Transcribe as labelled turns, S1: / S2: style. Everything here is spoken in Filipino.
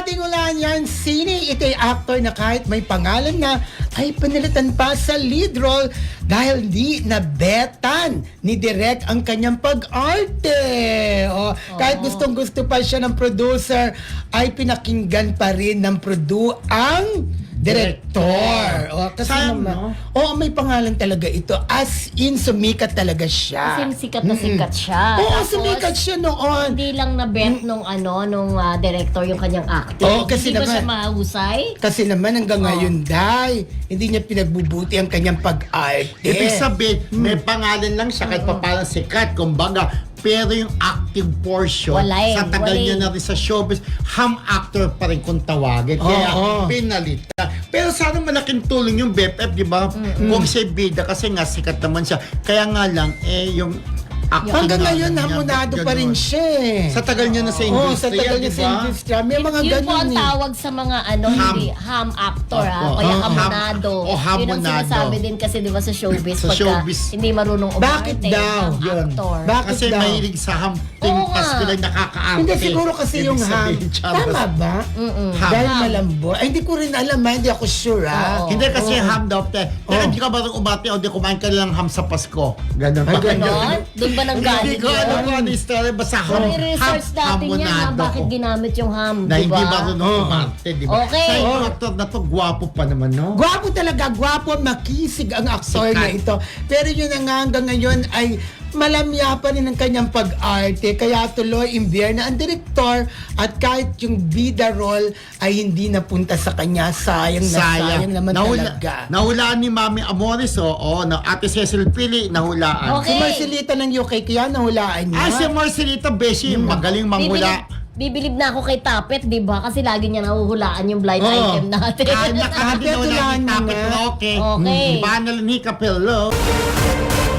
S1: ating ulan yan, sini ito'y actor na kahit may pangalan na ay panilitan pa sa lead role dahil di nabetan ni Direk ang kanyang pag-arte. Kahit gustong-gusto pa siya ng producer, ay pinakinggan pa rin ng ang director. Kasi
S2: Sayang,
S1: naman,
S2: no?
S1: may pangalan talaga ito. As in, sumikat talaga siya.
S3: Kasi sikat na sikat siya.
S1: Oo,
S3: Tapos,
S1: sumikat siya noon.
S3: Hindi lang na-bet nung director yung kanyang acting.
S1: Oo, kasi
S3: hindi ba
S1: naman-
S3: siya mahusay?
S1: Kasi naman hanggang ngayon, Day, hindi niya pinagbubuti ang kanyang pag-arte.
S2: Ibig sabihin, may pangalan lang siya kahit papalang sikat, kumbaga. Pero yung active portion,
S3: Wala eh,
S2: sa tagal
S3: wala
S2: niya
S3: eh.
S2: na rin sa showbiz, ham actor pa rin kung tawagin. Kaya
S1: Oo.
S2: pinalitan. Pero sana malaking tulong yung BFF, di ba? Kung siya bida, kasi nga sikat naman siya. Kaya nga lang, yung acting
S1: Hanggang
S2: nga
S1: ngayon,
S2: niya,
S1: hamonado pa rin
S2: ganun.
S1: siya eh.
S2: Sa tagal niya na sa
S1: Oo,
S2: industry,
S1: sa tagal niya
S2: di
S1: sa
S2: ba?
S1: industry. May mga
S3: Yun po
S1: ganun
S3: ang
S1: eh.
S3: tawag sa mga hindi, ham actor
S2: Opo.
S3: kaya
S1: Oo.
S3: hamonado.
S2: O,
S3: Yun ang
S2: hamonado.
S3: sinasabi din kasi di ba sa showbiz,
S2: Sa
S3: pagka
S2: showbiz.
S3: hindi marunong umarte,
S1: Bakit daw?
S3: ham
S2: Yun.
S3: actor.
S1: Bakit
S2: Kasi
S1: daw?
S2: mahilig sa hamping
S3: Oo nga.
S2: pasko lang nakakaarte.
S1: Hindi, siguro kasi
S2: Ibig
S1: yung ham.
S2: sabihin, Chavez.
S1: Tama ba?
S2: Ham.
S1: Dahil
S3: Ham.
S1: malambot. Ay, hindi ko rin alam, hindi ako sure ah.
S3: Oo.
S2: Hindi kasi ham daw. Pero
S1: Oo.
S2: hindi ka ba rin umati o di kumain ka lang ham sa Pasko? Ganun
S1: Ay,
S2: ba?
S1: ganun.
S3: Doon ba nang galing
S2: Hindi ko alam kung ano yung story. Basta ham.
S3: Pero i-research natin yan
S2: hamonado
S3: bakit
S2: ko.
S3: ginamit yung ham,
S2: Na
S3: di
S2: hindi
S3: ba?
S2: ba rin umarte, di ba?
S3: Okay.
S2: Sa yung actor na to, gwapo pa naman, no?
S1: Gwapo talaga, gwapo, makisig ang aktor na
S2: Sikat.
S1: ito. Pero yun na nga hanggang ngayon ay malamya pa rin ang kanyang pag-arte. Kaya tuloy, imbyer na ang direktor at kahit yung bida role ay hindi napunta sa kanya. Sayang na sayang naman talaga.
S2: Nahulaan ni Mami Amores, na Ate Cecil Pili, nahulaan.
S3: Okay.
S1: Si Marcelita ng UK, kaya nahulaan niya.
S2: Si Marcelita Beshi, magaling manghula.
S3: Bibilib na ako kay Tapet, di ba? Kasi lagi niya nahuhulaan yung blind
S2: Oo.
S3: item natin.
S2: Kahit nakahati na wala
S1: Hulaan
S2: ni
S1: mo
S2: Tapet,
S1: nga.
S2: okay.
S3: Okay.
S2: Banal ni Capello.